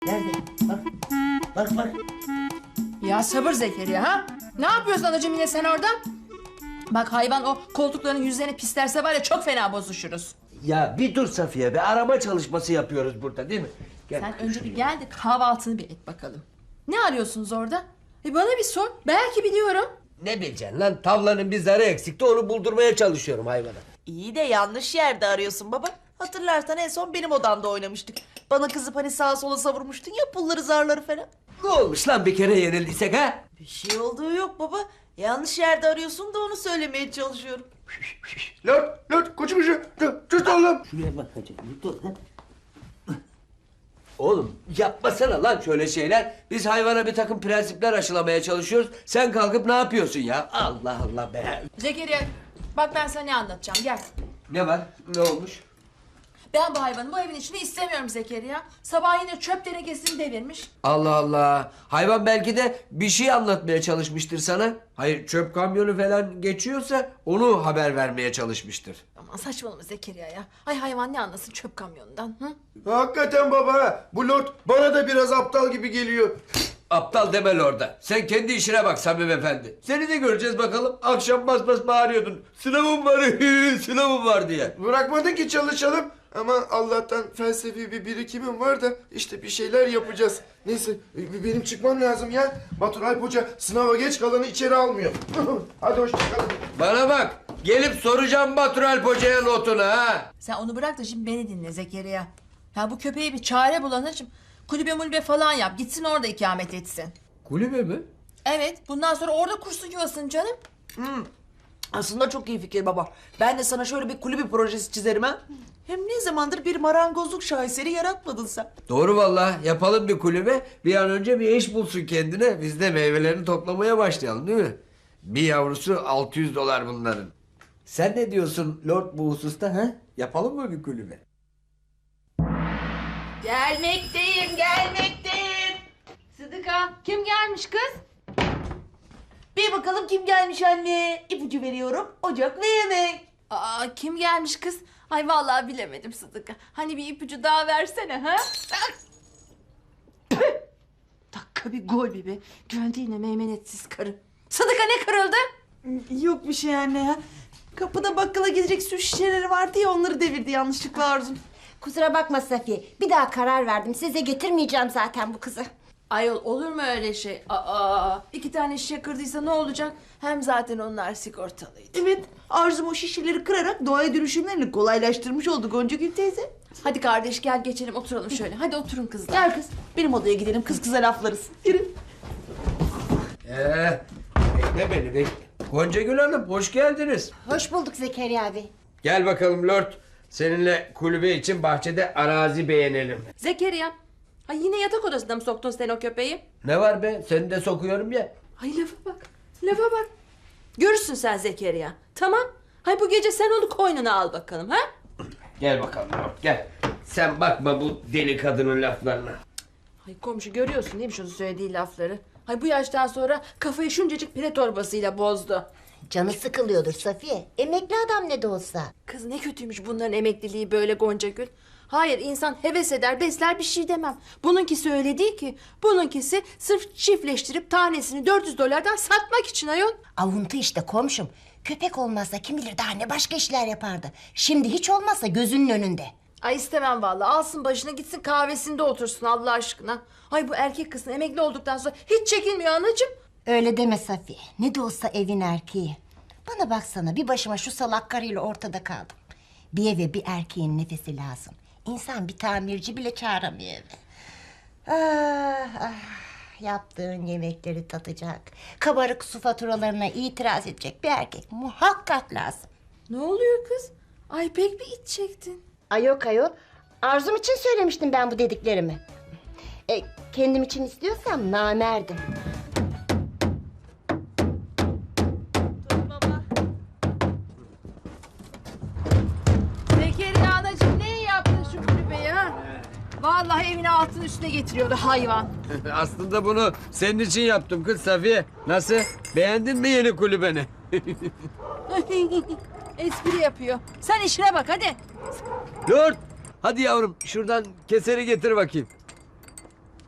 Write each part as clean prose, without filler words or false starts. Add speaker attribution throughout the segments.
Speaker 1: Nerede? Bak. Bak bak.
Speaker 2: Ya sabır Zekeriya ha? Ne yapıyorsun anacığım yine sen orada? Bak hayvan o koltukların yüzlerini pislerse var ya çok fena bozuşuruz.
Speaker 1: Ya bir dur Safiye be. Arama çalışması yapıyoruz burada değil mi? Gel.
Speaker 2: Sen önce bir gel de kahvaltını bir et bakalım. Ne arıyorsunuz orada? Bana bir sor. Belki biliyorum.
Speaker 1: Ne bileceksin lan? Tavlanın bir zarı eksikti. Onu buldurmaya çalışıyorum hayvana.
Speaker 3: İyi de yanlış yerde arıyorsun baba. Hatırlarsan en son benim odamda oynamıştık. Bana kızıp hani sağa sola savurmuştun ya pulları zarları falan.
Speaker 1: Ne olmuş lan bir kere yenildiysek ha?
Speaker 3: Bir şey olduğu yok baba. Yanlış yerde arıyorsun da onu söylemeye çalışıyorum.
Speaker 4: Lan koçum dur oğlum.
Speaker 1: Şuraya bak hacı. Dur lan. Oğlum yapmasana lan şöyle şeyler. Biz hayvana bir takım prensipler aşılamaya çalışıyoruz. Sen kalkıp ne yapıyorsun ya? Allah Allah be.
Speaker 2: Zekeriya bak ben sana ne anlatacağım gel.
Speaker 1: Ne var? Ne olmuş?
Speaker 2: Ben bu hayvanı bu evin içinde istemiyorum Zekeriya. Sabah yine çöp tenekesini devirmiş.
Speaker 1: Allah Allah. Hayvan belki de bir şey anlatmaya çalışmıştır sana. Hayır çöp kamyonu falan geçiyorsa onu haber vermeye çalışmıştır.
Speaker 2: Aman saçmalama Zekeriya ya. Ay hayvan ne anlasın çöp kamyonundan. Hı?
Speaker 4: Hakikaten baba. Bu lord bana da biraz aptal gibi geliyor.
Speaker 1: Aptal deme orada. Sen kendi işine bak Samim Efendi. Seni de göreceğiz bakalım. Akşam bas bas bağırıyordun. Sınavım var, sınavım var diye.
Speaker 4: Bırakmadın ki çalışalım. Ama Allah'tan felsefi bir birikimim var da işte bir şeyler yapacağız. Neyse benim çıkmam lazım ya. Batur Alp Hoca sınava geç kalanı içeri almıyor. Hadi hoşçakalın.
Speaker 1: Bana bak. Gelip soracağım Batur Alp Hoca'ya notunu ha.
Speaker 2: Sen onu bırak da şimdi beni dinle Zekeriya. Ya bu köpeğe bir çare bul anacığım. Kulübe mulübe falan yap. Gitsin orada ikamet etsin.
Speaker 1: Kulübe mi?
Speaker 2: Evet bundan sonra orada kursun yuvasını canım.
Speaker 3: Aslında çok iyi fikir baba. Ben de sana şöyle bir kulübü projesi çizerim ha. Hem ne zamandır bir marangozluk şaheseri yaratmadın sen.
Speaker 1: Doğru vallahi. Yapalım bir kulübe. Bir an önce bir eş bulsun kendine. Biz de meyvelerini toplamaya başlayalım değil mi? Bir yavrusu $600 bunların. Sen ne diyorsun Lord bu hususta ha? Yapalım mı bir kulübe?
Speaker 2: Gelmekteyim. Sıdıka kim gelmiş kız?
Speaker 3: Bir bakalım kim gelmiş anne. İpucu veriyorum. Ocak ve yemek.
Speaker 2: Aa kim gelmiş kız? Ay vallahi bilemedim Sıdıka. Hani bir ipucu daha versene ha? Dakika bir gol bir be. Güvendi yine meymenetsiz karı. Sıdıka ne kırıldı?
Speaker 3: Yok bir şey anne ya. Kapıda bakkala gidecek su şişeleri vardı ya onları devirdi yanlışlıkla Arzum.
Speaker 5: Kusura bakma Safiye. Bir daha karar verdim. Size getirmeyeceğim zaten bu kızı.
Speaker 2: Ayol olur mu öyle şey? Aa, 2 tane şişe kırdıysa ne olacak? Hem zaten onlar sigortalıydı.
Speaker 3: Evet Arzum o şişeleri kırarak doğaya dönüşümlerini kolaylaştırmış oldu Goncagül teyze.
Speaker 2: Hadi kardeş gel geçelim oturalım şöyle. Hadi oturun kızlar.
Speaker 3: Gel kız benim odaya gidelim kız kıza laflarız. Yürü.
Speaker 1: Bekle beni bekle. Goncagül Hanım hoş geldiniz.
Speaker 5: Hoş bulduk Zekeriya abi.
Speaker 1: Gel bakalım Lord. Seninle kulübe için bahçede arazi beğenelim.
Speaker 2: Zekeriya. Ay yine yatak odasına mı soktun sen o köpeği?
Speaker 1: Ne var be? Seni de sokuyorum ya.
Speaker 2: Ay lafa bak. Lafa bak. Görürsün sen Zekeriya. Tamam. Hay bu gece sen onu koynuna al bakalım ha?
Speaker 1: Gel bakalım Lord gel. Sen bakma bu deli kadının laflarına.
Speaker 2: Ay komşu görüyorsun değil mi şunu söylediği lafları? Hay bu yaştan sonra kafayı şuncacık pire torbasıyla bozdu.
Speaker 5: Canı sıkılıyordur Safiye. Emekli adam ne de olsa.
Speaker 2: Kız ne kötüymüş bunların emekliliği böyle Goncagül. Hayır insan heves eder besler bir şey demem. Bununkisi öyle değil ki. Bununkisi sırf çiftleştirip tanesini $400'dan satmak için ayol.
Speaker 5: Avuntu işte komşum. Köpek olmazsa kim bilir daha ne başka işler yapardı. Şimdi hiç olmazsa gözünün önünde.
Speaker 2: Ay istemem vallahi. Alsın başına gitsin kahvesinde otursun Allah aşkına. Ay bu erkek kızın emekli olduktan sonra hiç çekinmiyor anacığım.
Speaker 5: Öyle deme Safiye. Ne de olsa evin erkeği. Bana baksana bir başıma şu salak karıyla ortada kaldım. Bir eve bir erkeğin nefesi lazım. İnsan bir tamirci bile çağıramıyor eve. Ah, ah. Yaptığın yemekleri tatacak. Kabarık su faturalarına itiraz edecek bir erkek muhakkak lazım.
Speaker 2: Ne oluyor kız? Ay pek bir iç çektin.
Speaker 5: Ay yok ayol. Arzum için söylemiştim ben bu dediklerimi. Kendim için istiyorsam namerdim.
Speaker 2: Zekeriya anacığım ne yaptın şu kulübeyi ha? Vallahi evine altın üstüne getiriyordu hayvan.
Speaker 1: Aslında bunu senin için yaptım kız Safiye. Nasıl? Beğendin mi yeni kulübeni?
Speaker 2: Espri yapıyor. Sen işine bak hadi.
Speaker 1: Lord! Hadi yavrum şuradan keseri getir bakayım.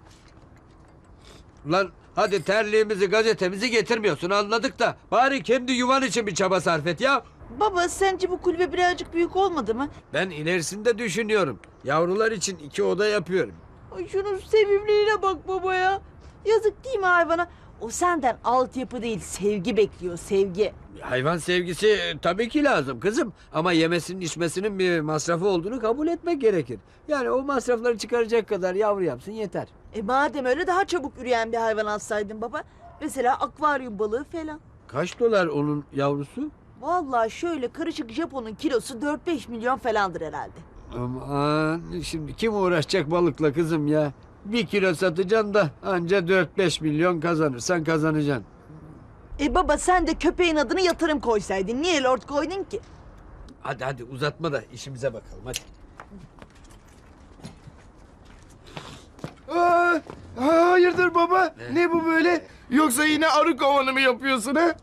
Speaker 1: Lan hadi terliğimizi gazetemizi getirmiyorsun anladık da bari kendi yuvan için bir çaba sarf et ya.
Speaker 3: Baba sence bu kulübe birazcık büyük olmadı mı?
Speaker 1: Ben ilerisinde düşünüyorum. Yavrular için 2 oda yapıyorum.
Speaker 3: Ay şunun sevimliliğine bak baba ya. Yazık değil mi hayvana? O senden altyapı değil sevgi bekliyor sevgi.
Speaker 1: Hayvan sevgisi tabii ki lazım kızım. Ama yemesinin içmesinin bir masrafı olduğunu kabul etmek gerekir. Yani o masrafları çıkaracak kadar yavru yapsın yeter.
Speaker 3: Madem öyle daha çabuk üreyen bir hayvan alsaydın baba. Mesela akvaryum balığı falan.
Speaker 1: Kaç dolar onun yavrusu?
Speaker 3: Vallahi şöyle karışık Japon'un kilosu 4-5 milyon falandır herhalde.
Speaker 1: Aman şimdi kim uğraşacak balıkla kızım ya? 1 kilo satacaksın da anca 4-5 milyon kazanırsan kazanacaksın.
Speaker 3: Baba sen de köpeğin adını yatırım koysaydın. Niye lord koydun ki?
Speaker 1: Hadi uzatma da işimize bakalım hadi.
Speaker 4: Hayırdır baba? Ne bu böyle? Yoksa yine arı kovanı mı yapıyorsun ha?